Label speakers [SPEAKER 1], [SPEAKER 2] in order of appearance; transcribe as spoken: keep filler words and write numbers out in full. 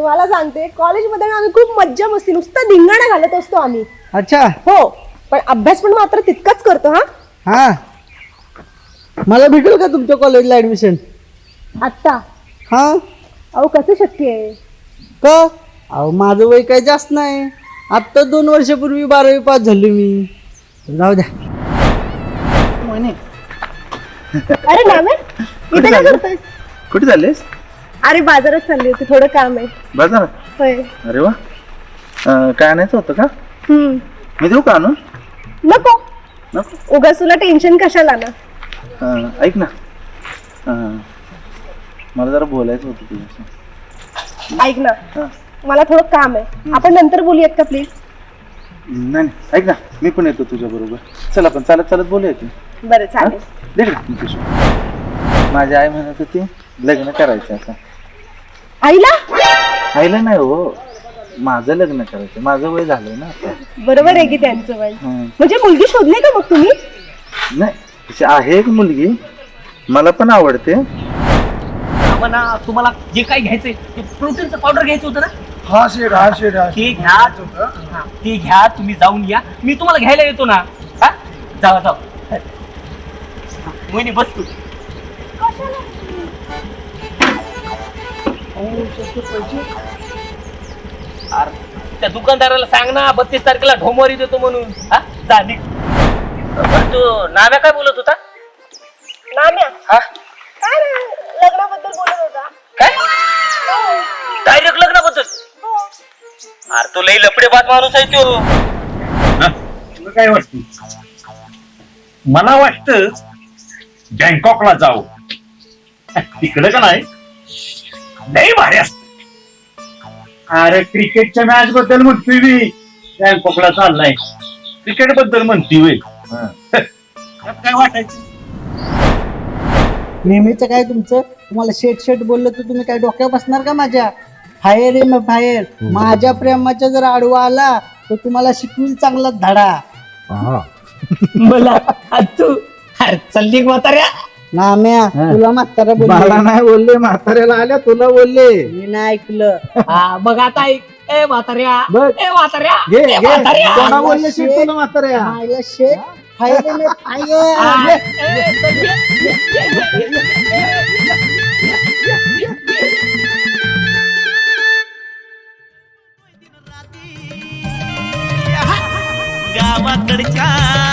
[SPEAKER 1] तुम्हाला सांगते कॉलेजमध्ये आम्ही खूप मज्जा मस्ती नुसतं धिंगाणा घालत असतो आम्ही.
[SPEAKER 2] अच्छा
[SPEAKER 1] हो पण अभ्यास पण मात्र तितकाच करतो. हा
[SPEAKER 2] हा मला भेटेल का तुमच्या कॉलेजला ऍडमिशन?
[SPEAKER 1] आत्ता
[SPEAKER 2] हा
[SPEAKER 1] अहो कसं शक्य आहे?
[SPEAKER 2] का? अहो माझं वय काही जास्त नाही. आत्ता दोन वर्षापूर्वी बारावी पास झालो मी. जाऊ द्या.
[SPEAKER 1] अरे नामे इथे काय करतोयस?
[SPEAKER 3] कुठे चाललेस?
[SPEAKER 1] अरे बाजारात चालली होती, थोडं काम आहे.
[SPEAKER 3] बाजार?
[SPEAKER 1] होय.
[SPEAKER 3] अरे वा. अं, काय आणायचं होतं का?
[SPEAKER 1] हम्म
[SPEAKER 3] मी देऊ का आणून?
[SPEAKER 1] नको
[SPEAKER 3] नको?
[SPEAKER 1] उगाच तुला टेन्शन कशाला ना.
[SPEAKER 3] अं, ऐक ना, अं, मला जरा बोलायचं होतं तुझ्याशी.
[SPEAKER 1] ऐक ना
[SPEAKER 3] हा.
[SPEAKER 1] मला थोडं काम आहे, आपण नंतर बोलूयात का प्लीज?
[SPEAKER 3] नाही नाही, ऐक ना, मी पण येतो तुझ्या बरोबर. चल आपण चालत चालत बोलूया की.
[SPEAKER 1] बरं चालेल.
[SPEAKER 3] दे ना मी पिशवी. माझी आई म्हणत होती लग्न करायचं आता.
[SPEAKER 1] आईला?
[SPEAKER 3] आईला नाही हो, माझं लग्न करायचं. माझं वय झालंय ना आता.
[SPEAKER 1] बरोबर आहे की त्यांचं वय.
[SPEAKER 3] हं.
[SPEAKER 1] म्हणजे मुलगी शोधली का मग तुम्ही?
[SPEAKER 3] नाही, तशी आहे एक मुलगी, मला पण आवडते.
[SPEAKER 4] म्हणा तुम्हाला जे काही घ्यायचंय ते प्रोटीनचं पावडर घ्यायचं होतं ना,
[SPEAKER 5] हा शेड हा शेड हा
[SPEAKER 4] ते घ्या. हा, ते घ्या, तुम्ही जाऊन या, मी तुम्हाला घ्यायला येतो ना. हा जावा जावा. मोहिनी बस तू. अरे त्या दुकानदाराला सांग ना बत्तीस तारखेला ढोमवारी देतो म्हणून. हा जा निघ. बरं, तू नाम्या काय बोलत होता?
[SPEAKER 1] नाम्या
[SPEAKER 4] हा
[SPEAKER 1] काय नाही, लग्नाबद्दल बोलत होता.
[SPEAKER 4] काय डायरेक्ट लग्नाबद्दल? अरे तो लई लपडे बात माणूस आहे तो.
[SPEAKER 6] तुला काय वाटतं? मला वाटतं बँकॉकला जाऊ. तिकडे का नाही लई भारी असत. अरे क्रिकेटच्या मॅच बद्दल म्हणतोय मी. बँकॉकला चाललाय क्रिकेट बद्दल म्हणतोय. काय वाटायचं?
[SPEAKER 2] नेहमीचं काय तुमचं? तुम्हाला शेट शेट बोललं तर तुम्ही काय डोक्यावर बसणार का माझ्या? फायर आहे मग फायर. माझ्या प्रेमाच्या जर आडवा आला तर तुम्हाला शिकवील चांगला धडा.
[SPEAKER 4] मला तू अरे चालली म्हाताऱ्या.
[SPEAKER 2] नाम्या तुला म्हातारा
[SPEAKER 3] मला
[SPEAKER 2] बोलले,
[SPEAKER 3] नाही बोलले, म्हाताऱ्याला आल्या तुला बोलले.
[SPEAKER 2] मी नाही ऐकलं.
[SPEAKER 4] हा बघ आता ऐक. ए म्हाताऱ्या,
[SPEAKER 3] बघ.
[SPEAKER 4] ए म्हाताऱ्या,
[SPEAKER 3] घे
[SPEAKER 4] ए
[SPEAKER 3] घे,
[SPEAKER 4] म्हाताऱ्या.
[SPEAKER 3] कोणा बोलले शेट तुला म्हाताऱ्या?
[SPEAKER 2] मायला शेट फायर आहे मग फायर.
[SPEAKER 4] हा, ए, चल, ये, ये, ये, ये, ये.
[SPEAKER 7] गावाकडच्या